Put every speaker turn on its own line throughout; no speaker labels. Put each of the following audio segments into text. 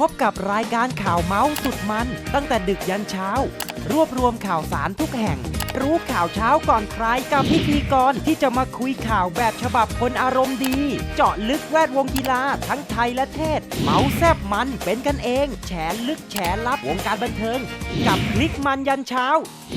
บกับรายการข่าวเมาส์สุดมันตั้งแต่ดึกยันเช้า รวบรวมข่าวสารทุกแห่ง รู้ข่าวเช้าก่อนใครกับพิธีกรที่จะมาคุยข่าวแบบฉบับคนอารมณ์ดี เจาะลึกแวดวงกีฬาทั้งไทยและเทศ เมาส์แซบมันเป็นกันเอง แฉลึกแฉลับวงการบันเทิง กับคลิกมันยันเช้า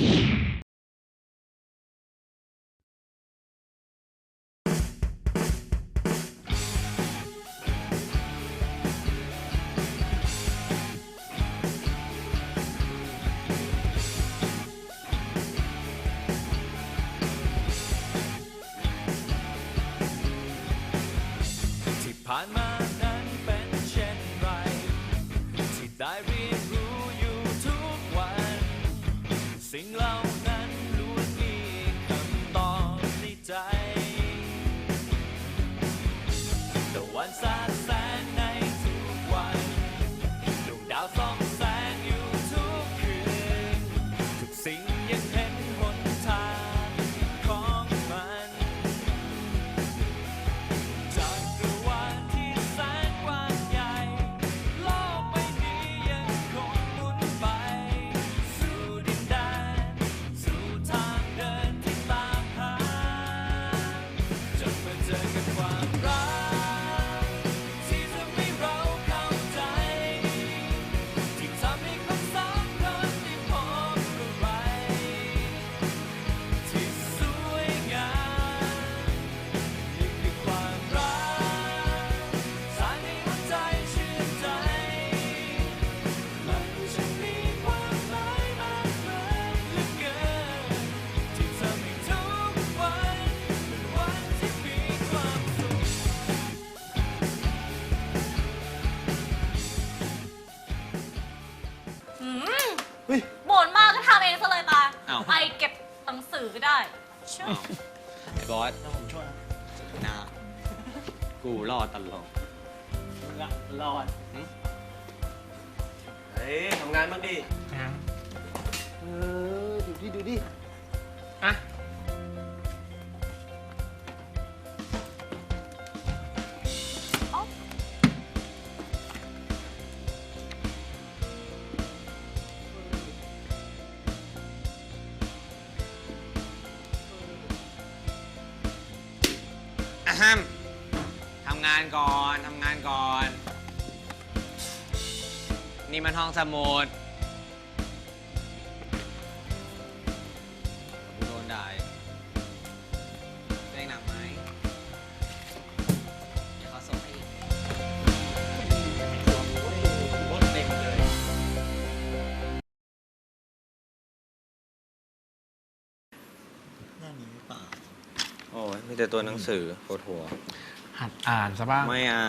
ผ่านมานั้นเป็นเช่นไรที่ได้เรียนรู้อยู่ทุกวันสิ่งเหล่านั้นล้วนมีคำตอบในใจแต่วันสาดแสงในทุกวันดวงดาวส่องแสงอยู่ทุกคืนทุกสิ่งยังเห็นหนทางของมันจาก
บ่นมากก็ทำเองซะเลยมาไปเก็บหนังสือก็ได้
ไอ้บอสถ้าผมช่วยนะกูรอดตลอด
รอดเฮ้ยทำงานบ้างดิดูดิ
อ่ะทำงานก่อนนี่มันห้องสมุดโดนด่าได้หนักไหมเดี๋ยวเขาส่งให้อีกรถเต็มเลย
น่ามีหรือเปล่า
โอ้ยมีแต่ตัวหนังสือปวดหัว
หัดอ่านซะบ้าง
ไม่อ่าน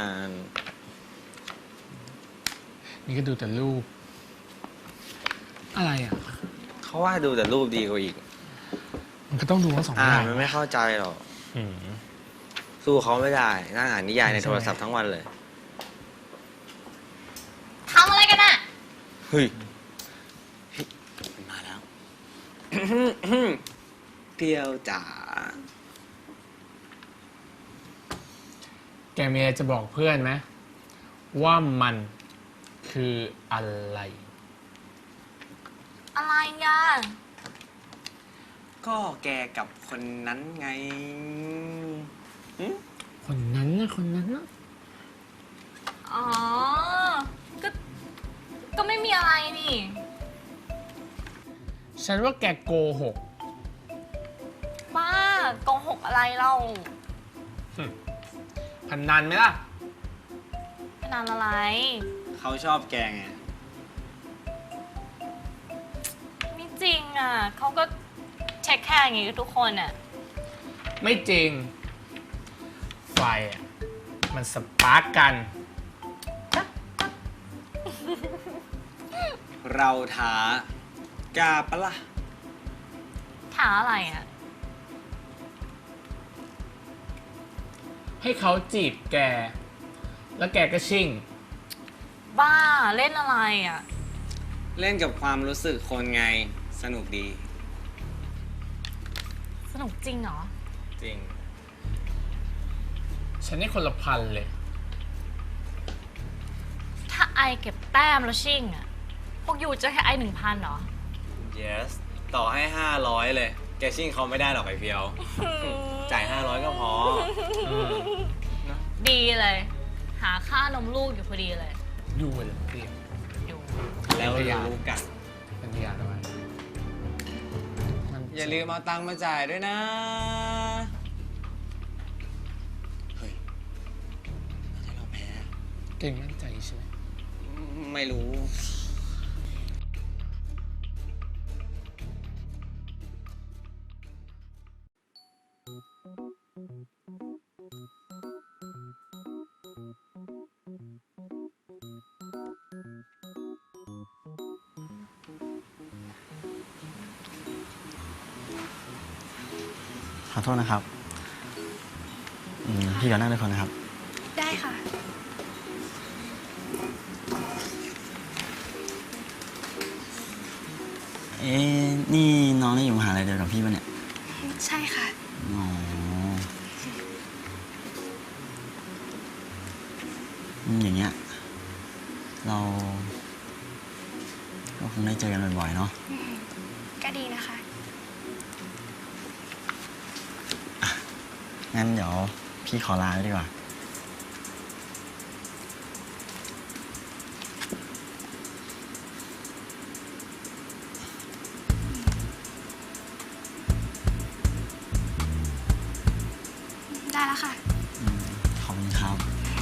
นี่ก็ดูแต่รูปอะไรอ่ะ
เขาว่าดูแต่รูปดีกว่าอีก
มันก็ต้องดูทั้งสองอ
อ่า
ย่าน ง
มันไม่เข้าใจหรอกสู้เขาไม่ได้นั่งอ่านนิยายในโทรศัพท์ทั้งวันเลย
ทำอะไรกันน่ะ
เฮ้ยมันมาแล้วเพียวจ๋า
แกมีอะไรจะบอกเพื่อนไหมว่ามันคืออะไร
อ่ะ
ก็แกกับคนนั้นไง
คนนั้นนะ
อ๋อก็ไม่มีอะไรนี่
ฉันว่าแกโกหก
บ้าโกหกอะไรเล่า
พนันไหมล่ะ
พนันอะไร
เขาชอบแกไง
ไม่จริงอ่ะเขาก็เช็คแค่อย่างงี้ทุกคนอ่ะ
ไม่จริงไฟอ่ะมันสปาร์กกัน
เราท้ากล้าปะล่ะ
ท้าอะไรอ่ะ
ให้เขาจีบแกแล้วแกก็ชิ่ง
บ้าเล่นอะไรอ่ะ
เล่นกับความรู้สึกคนไงสนุกดี
สนุกจริงเหรอ
จริง
ฉันนี่คนละพันเลย
ถ้าไอเก็บแต้มแล้วชิ่งอะพวกยูจะให้ไอ1,000เหรอ
yes ต่อให้ 500 เลย แกชิ่งเขาไม่ได้หรอกไอเพียว จ่าย 500 ก็พอ
ดีเลย หาค่านมลูกอยู่พอดีเลย
ดูเลยพี่
อยู่
แล้วรู้กัน
เป็นพยานด้วยมัน
อย่าลืมเอาตังค์มาจ่ายด้วยนะ เฮ้ยถ้าเราแพ้
เก่งมั่นใจใช่ไหม
ไม่รู้
ขอโทษนะครับพี่ขอนั่งด้วยคนนะครับ
ได้ค่ะ
เอ๊ะนี่น้องได้อยู่มหาลัยเดียวกับพี่ปะเนี่ย
ใช่ค่ะ
อ๋ออย่างเงี้ย เราก็คงได้เจอกันบ่อยๆเนาะ
ก็ดีนะคะ
งั้นเดี๋ยวพี่ขอลาไว้ดีกว่า
ได้แล้วค่ะ
ขอบคุณครับ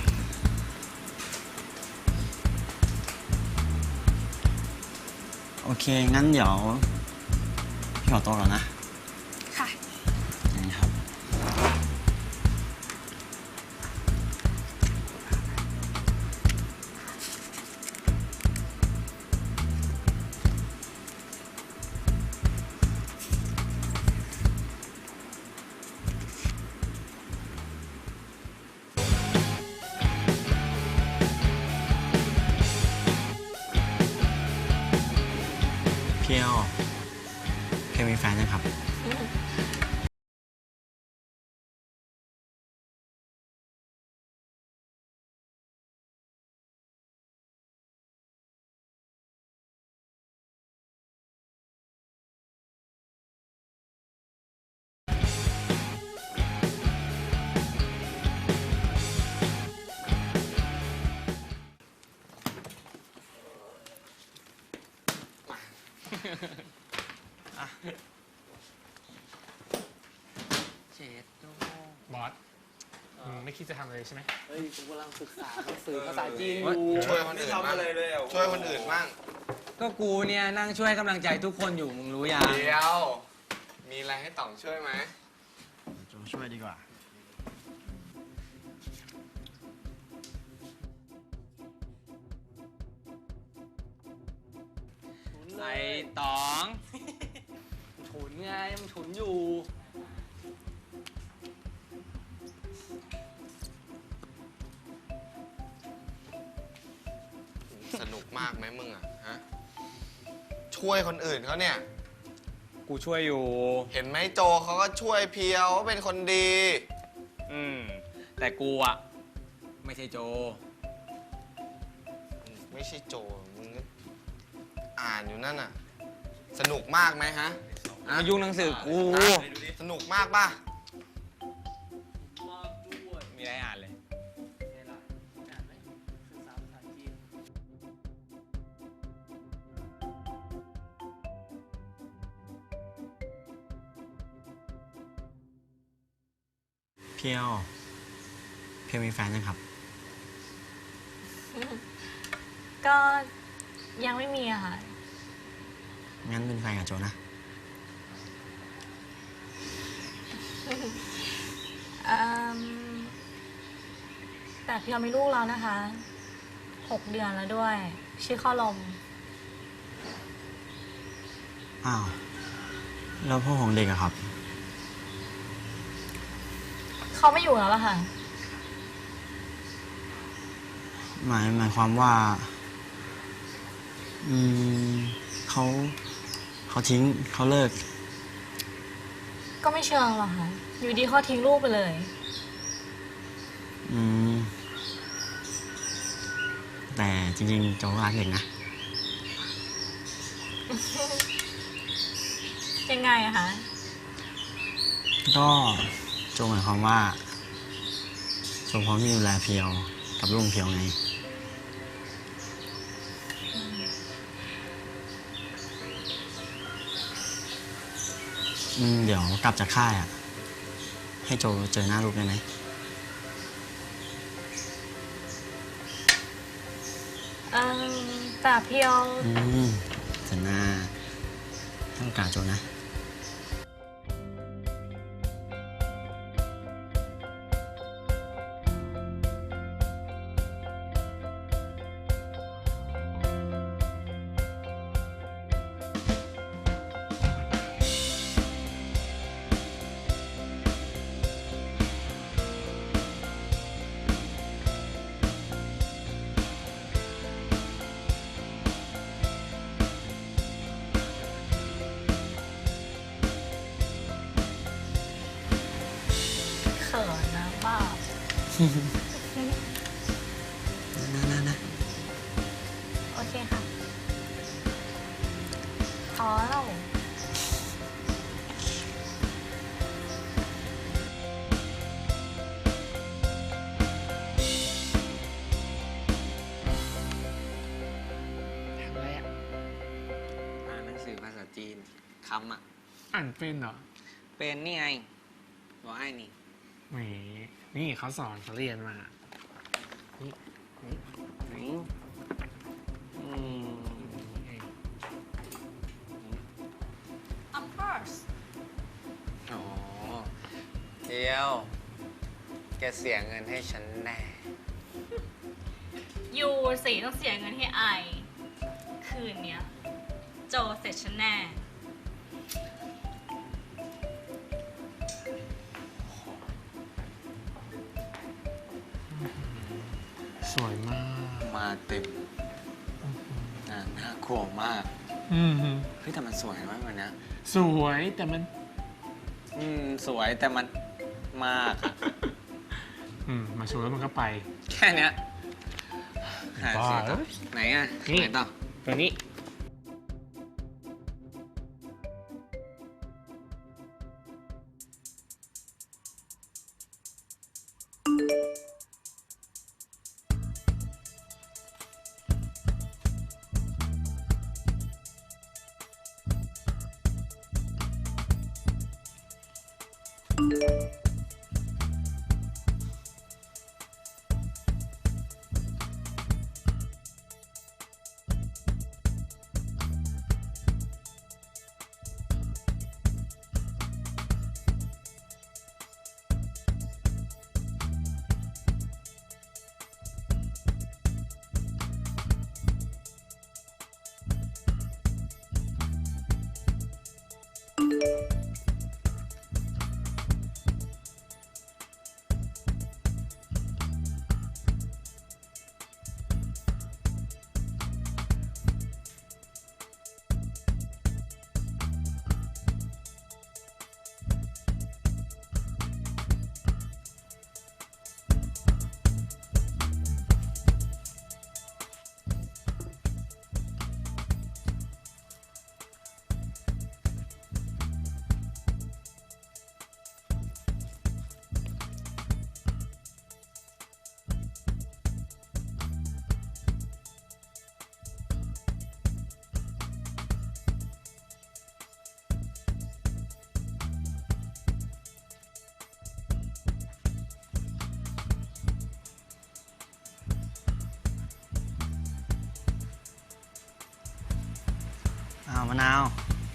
โอเค งั้นเดี๋ยวพี่ขอตัวก่อนนะ
ค่ะ
นี่ครับ เพียวเคยมีแฟนยังครับ
บอสไม่คิดจะทำอะไรใช่ไหม
เฮ้ยกูกำลังศึกษาหนังสือภาษาจีนอยู่
ช่วยคนอื่นบ้างช่วยคนอื่นบ้าง
ก็กูเนี่ยนั่งช่วยกำลังใจทุกคนอยู่ มึงรู้ยัง
เดี๋ยว มีอะไรให้ต่องช่วยไหม
โจช่วยดีกว่า
ไอ้ต๋อง
ฉุนไงมันฉุนอยู่
สนุกมากไหมมึงอ่ะฮะ ช่วยคนอื่นเขาเนี่ย
กูช่วยอยู่
เห็นไหมโจเขาก็ช่วยเพียวว่าเป็นคนดี
แต่กูอะไม่ใช่โจ
ไม่ใช่โจ มึงก็อ่านอยู่นั่นน่ะ สนุกมากไหมฮะ
มายุ่งหนังสือกู
สนุกมากป่ะ
มีอะไรอ่านเลย
เพียวมีแฟนยังครับ
ก็ยังไม่มีอะค่ะ
งั้นเป็นแฟนกับโจนะ
แต่พี่เรามีลูกแล้วนะคะ 6 เดือนแล้วด้วย ชื่อข้าวลม
อ้าว แล้วพ่อของเด็กอะครับ
เขาไม่อยู่แล้วล่ะค่ะ
หมายความว่า เขาทิ้งเขาเลิก
ก็ไม่เชิงหรอกค่ะ อยู่ดีเขาทิ้งลูกไปเลย
อืมแต่จริงๆโจก็รักเด็กนะ
ยังไงอะคะ
ก็โจหมายความว่าโจพร้อมที่จะดูแลเพียวกับลุงเพียวไง เดี๋ยวกลับจากค่ายอ่ะ ให้โจเจอหน้าลูกได้ไหม
แต่เพียว
เจอหน้าให้โอกาสโจนะ
เขินนะบ้า
นะ
โอเคค่ะพอแล้ว
ทำอะไรอ่ะ
อ่านหนังสือภาษาจีนคำอ่ะ
อ่านเป็นเหรอ
เป็นนี่ไงบอกไอ้นี่
แหมนี่เขาสอนเขาเรียนมา
อืม
Of course
อ๋อเดียว แกเสียเงินให้ฉันแน่
ยูสิต้องเสียเงินให้ไอ คืนเนี้ย โจเสร็จฉันแน่
สวยมาก
มาเต็มน่ากลัวมาก เฮ้ยแต่มันสวยมากเลยนะ
สวยแต่มัน
สวยแต่มันมากอะ
มาสวยแล้วมันก็ไป
แค่เนี้ยหา
บ้า
สิ
เอ้ย
ไหนอ่ะ
นี่
ไหนต่อ
ตัวนี้
มะนาว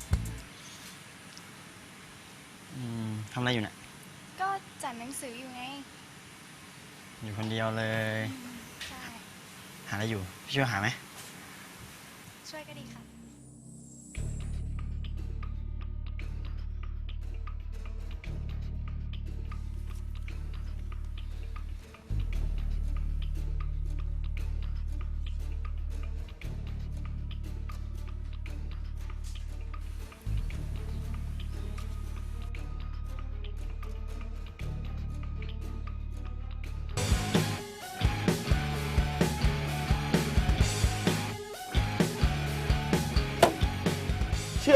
ทำอะไรอยู่เนี่ย
ก็จัดหนังสืออยู่ไง
อยู่คนเดียวเลย
ใช่
หาอะไรอยู่ พี่ช่วยหาไหม
ช่วยก็ดีค่ะ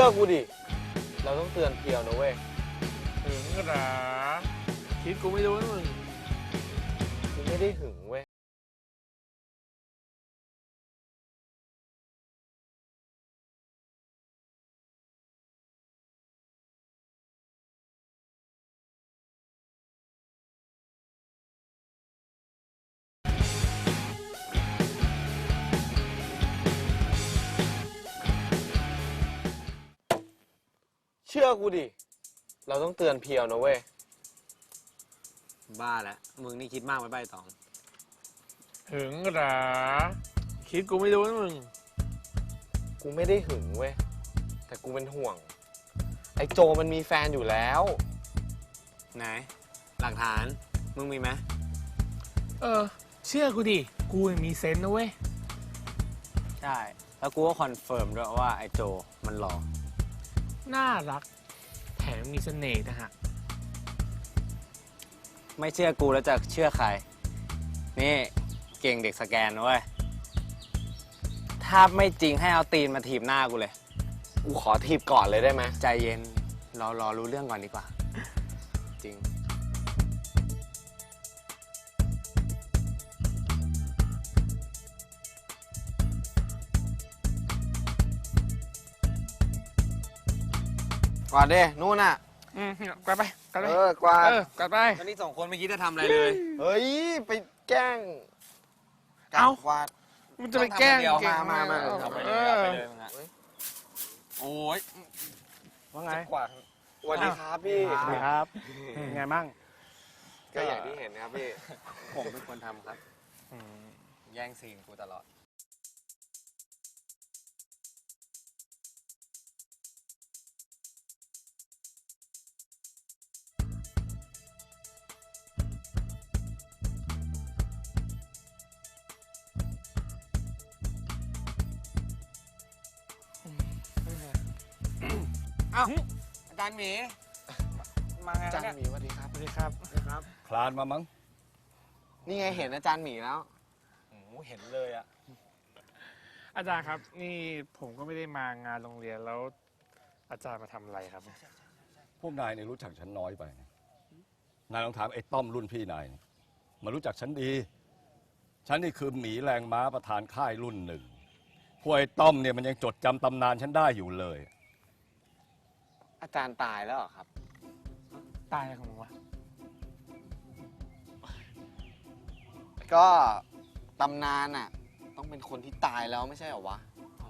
อกูดิ เราต้องเตือนเพียวนะเว้ย
หึงเหรอคิดกูไม่รู้นะมึง
กูไม่ได้หึงเว้ย เชื่อกูดิ เราต้องเตือนเพียวนะเว้ย
บ้าแล้ว มึงนี่คิดมากไปใบตอง
หึงเหรอคิดกูไม่รู้นะมึง
กูไม่ได้หึงเว้ย แต่กูเป็นห่วง ไอ้โจมันมีแฟนอยู่แล้ว
ไหน หลักฐาน มึงมีไหม
เชื่อกูดิ กูมีเซนส์นะเว้ย
ใช่ แล้วกูก็คอนเฟิร์มด้วยว่าไอ้โจมันหล่อ
น่ารัก แถมมีเสน่ห์นะฮะ
ไม่เชื่อกูแล้วจะเชื่อใคร นี่เก่งเด็กสแกนนะเว้ย ถ้าไม่จริงให้เอาตีนมาถีบหน้ากูเลย
กูขอทีบก่อนเลยได้ไหม
ใจเย็น รอรู้เรื่องก่อนดีกว่า จริง
กวาดดินู่นน่ะ
กลับไปกลับไป
กวาด
กลับไป
ตอนนี้สองคนไม่คิดจะทำอะไรเลย
เฮ้ย ไปแกล้ง
เอ้า
กวาด
มันจะไปแกล้ง
ต้องทำคนเดียว
เก่ง
มา
เอาไป
เอ
เลยเอา
อ
ไปเลยมึงอะโอ้ย
ว่าไง
กวาดสวัสดีครับพี่
สวัสดีครับ เป็นไงบ้าง
ก็อย่างที่เห็นนะครับพี่
ผมเป็นคนทำครับ แย่งซีนกูตลอด เอ้า อาจารย์หมี มาไง
อาจารย์
เนี่ย
หมีสวัสดีครับ
สวัสดีครับ
คลานมามั้ง
นี่ไงเห็นอาจารย์หมีแล้ว
โอ้โหเห็นเลยอะ
อาจารย์ครับ นี่ผมก็ไม่ได้มางานโรงเรียนแล้ว อาจารย์มาทำอะไรครับ
พวกนายเนี่ยรู้จักฉันน้อยไปนะนายลองถามไอ้ต้อมรุ่นพี่นายมารู้จักฉันดี ฉันนี่คือหมีแรงม้าประธานค่ายรุ่นหนึ่งพวกไอ้ต้อมเนี่ยมันยังจดจำตำนานฉันได้อยู่เลย
อาจารย์ตายแล้วเหรอครับ
ตายอะไรของมึงวะ
ก็ตำนานน่ะ ต้องเป็นคนที่ตายแล้วไม่ใช่เหรอวะ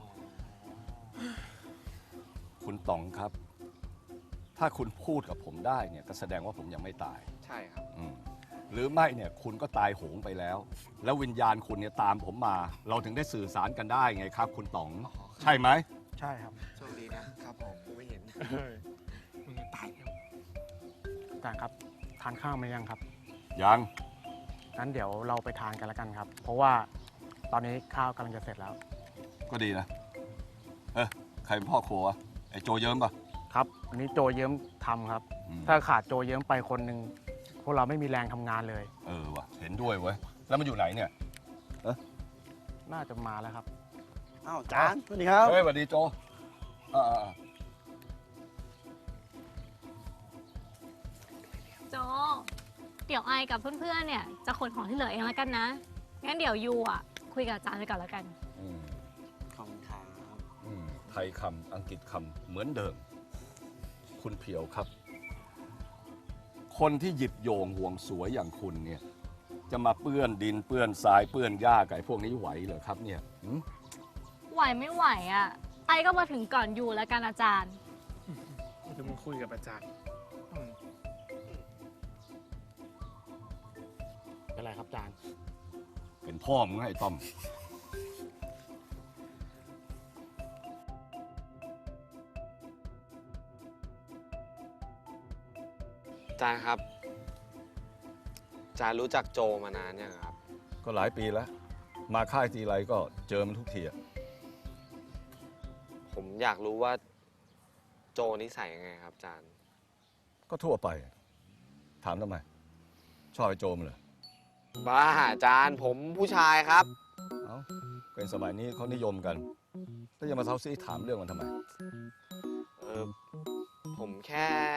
คุณต๋องครับ ถ้าคุณพูดกับผมได้เนี่ยก็แสดงว่าผมยังไม่ตาย
ใช่ครับ
หรือไม่เนี่ยคุณก็ตายโหงไปแล้ว แล้ววิญญาณคุณเนี่ยตามผมมา เราถึงได้สื่อสารกันได้ไงครับ คุณต๋อง ใช่ไหม
ใช่ครับ
โชคดีนะครับผมกูไม่เห็น
มึงจะตายแล้ว
อาจารย์ครับ ทานข้าวไหมยังครับ
ยัง
งั้นเดี๋ยวเราไปทานกันแล้วกันครับ เพราะว่าตอนนี้ข้าวกำลังจะเสร็จแล้ว
ก็ดีนะใครเป็นพ่อครัววะไอ้โจเยิ้มปะ
ครับอันนี้โจเยิ้มทำครับ
อืม
ถ้าขาดโจเยิ้มไปคนหนึ่งพวกเราไม่มีแรงทำงานเลย
วะเห็นด้วยเว้ยแล้วมันอยู่ไหนเนี่ย
น่าจะมาแล้วครับ
อ้าวจานสวัสดีครับ
เฮ้ยสวัสดีโจอ่า
โจ เดี๋ยวไอกับเพื่อนๆ เนี่ยจะขนของที่เหลือเองแล้วกันนะ งั้นเดี๋ยวยูอ่ะคุยกับอาจารย์ไปก่อนแล้วกัน
ขอบคุณครับ
ไทยคำอังกฤษคำเหมือนเดิม คุณเพียวครับ คนที่หยิบโยงห่วงสวยอย่างคุณเนี่ย จะมาเปื้อนดินเปื้อนทรายเปื้อนหญ้าไก่พวกนี้ไหวเหรอครับเนี่ย
ไหวไม่ไหวอ่ะ ไอก็มาถึงก่อนยูแล้วกันอาจารย์
เดี๋ยวมึงคุยกับอาจารย์
เป็นไรครับอาจารย์
เป็นพ่อมึงไอ้ต้อม
อาจารย์ครับ อาจารย์รู้จักโจมานานยังครับ
ก็หลายปีแล้ว มาค่ายทีไรก็เจอมันทุกทีอะ
ผมอยากรู้ว่าโจนิสัยยังไงครับอาจารย์
ก็ทั่วไป ถามทำไม ชอบไอ้โจมันเหรอ
บ้าอาจารย์ผมผู้ชายครับ
เอ้าเป็นสมัยนี้เขานิยมกันแล้วจะมาเซาซีถามเรื่องมันทำไม
ผมแค่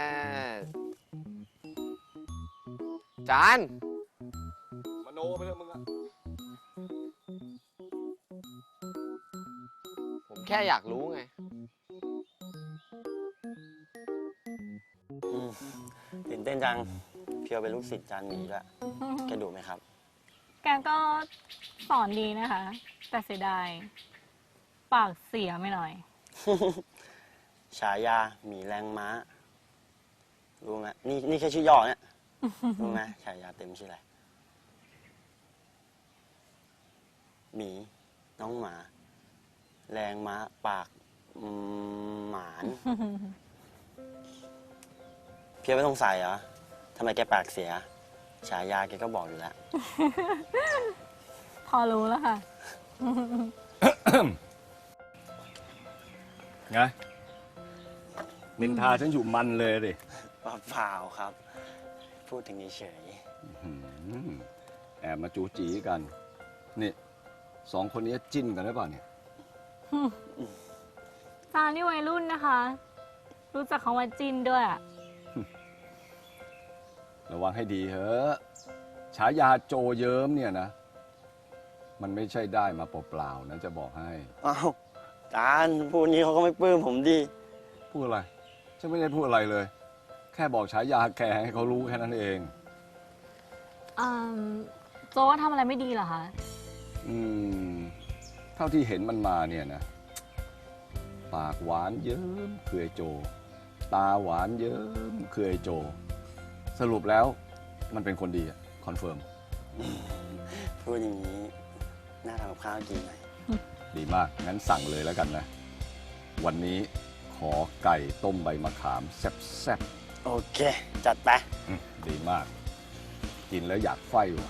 จาน
มโนไปเลยมึงอะ
ผมแค่อยากรู้ไง
ตื่นเต้นจัง เพียวเป็นลูกศิษย์จานหมีด้วยแกดุไหมครับ
แกก็สอนดีนะคะ แต่เสียดาย ปากเสียไม่หน่อย
ฉายาหมีแรงม้า รู้ไหมนี่แค่ชื่อย่อเนี่ย รู้ไหมฉายาเต็มชื่ออะไรหมีน้องหมา แรงม้าปากหมาน เพียวไม่ต้องใส่เหรอทำไมแกปากเสีย ฉายาแกก็บอกอยู่แล้ว
พอรู้แล้วค่ะ
ไง นินทาฉันอยู่มันเลยดิ
เปล่าครับ พูดถึงเฉย
หืมแอบมาจูจีกัน นี่สองคนนี้จิ้นกันหรือเปล่าเนี่ย
จานนี่วัยรุ่นนะคะ รู้จักคำว่าจินด้วยอะ
ระวังให้ดีเถอะฉายาโจเยิ้มเนี่ยนะ มันไม่ใช่ได้มาเปล่าๆนะจะบอกให้
อ้าวจานพูดนี้เขาก็ไม่ปลื้มผมดิ
พูดอะไร ฉันไม่ได้พูดอะไรเลย แค่บอกฉายาแกให้เขารู้แค่นั้นเอง
โจว่าทำอะไรไม่ดีเหรอคะ
เท่าที่เห็นมันมาเนี่ยนะ ปากหวานเยิ้มคือไอ้โจ ตาหวานเยิ้มคือไอ้โจ สรุปแล้วมันเป็นคนดีอะคอนเฟิร์ม
พูดอย่างนี้น่าทำกับข้าวกินหน่อย
ดีมาก งั้นสั่งเลยแล้วกันนะ วันนี้ขอไก่ต้มใบมะขามแซ่บ
โอเค จัดไป
ๆดีมาก กินแล้วอยากไฟว่ะ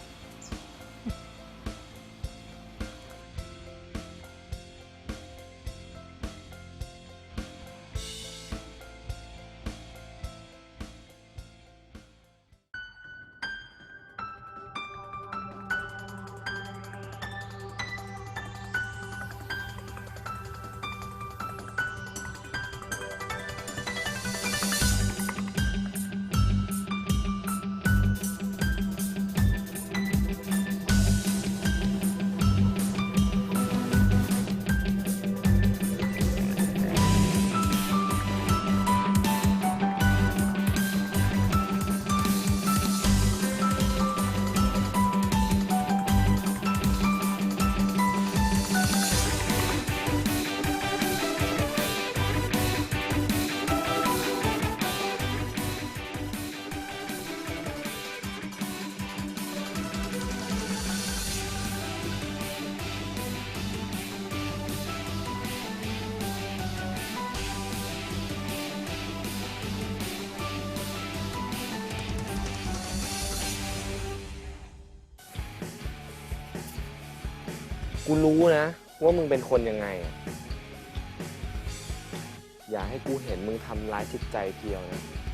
กูรู้นะ ว่ามึงเป็นคนยังไงอะอย่าให้กูเห็นมึงทำร้ายจิตใจเพียวนะ